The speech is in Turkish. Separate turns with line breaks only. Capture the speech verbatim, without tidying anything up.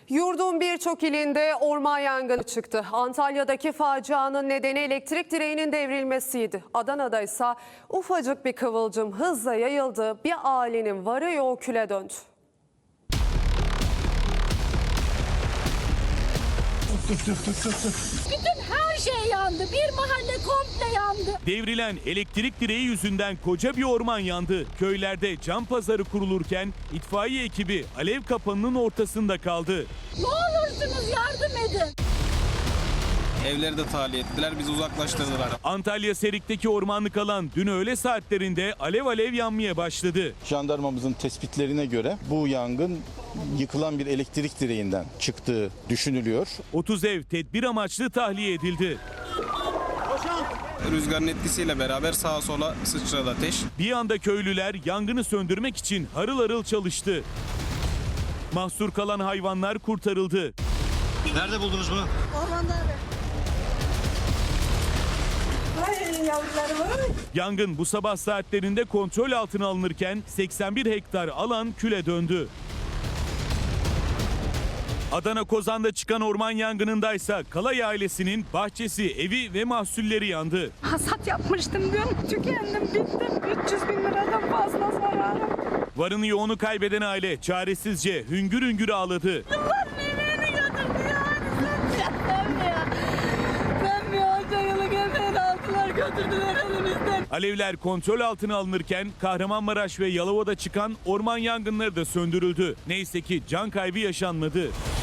Yurdun birçok ilinde orman yangını çıktı. Antalya'daki facianın nedeni elektrik direğinin devrilmesiydi. Adana'da ise ufacık bir kıvılcım hızla yayıldı. Bir ailenin varı yoğu küle döndü.
Bütün her şey yandı. Bir mahalle komple yandı.
Devrilen elektrik direği yüzünden koca bir orman yandı. Köylerde can pazarı kurulurken itfaiye ekibi alev kapanının ortasında kaldı.
Ne olursunuz yardım edin.
Evleri de tahliye ettiler, bizi uzaklaştırdılar.
Antalya Serik'teki ormanlık alan dün öğle saatlerinde alev alev yanmaya başladı.
Jandarmamızın tespitlerine göre bu yangın yıkılan bir elektrik direğinden çıktığı düşünülüyor.
otuz ev tedbir amaçlı tahliye edildi.
Rüzgarın etkisiyle beraber sağa sola sıçradı ateş.
Bir anda köylüler yangını söndürmek için harıl harıl çalıştı. Mahsur kalan hayvanlar kurtarıldı.
Nerede buldunuz bunu?
Ormanda abi. Ay yavrularım.
Yangın bu sabah saatlerinde kontrol altına alınırken seksen bir hektar alan küle döndü. Adana Kozan'da çıkan orman yangınındaysa Kalay ailesinin bahçesi, evi ve mahsulleri yandı.
Hasat yapmıştım dün. Tükendim, bittim. üç yüz bin liradan fazla zararım.
Varını yoğunu kaybeden aile çaresizce hüngür hüngür ağladı.
Yıllar emeğini götürdü ya. Ben mi ya? Ben mi ya? Onca yıllık emeğini aldılar, götürdüler elimizden.
Alevler kontrol altına alınırken Kahramanmaraş ve Yalova'da çıkan orman yangınları da söndürüldü. Neyse ki can kaybı yaşanmadı.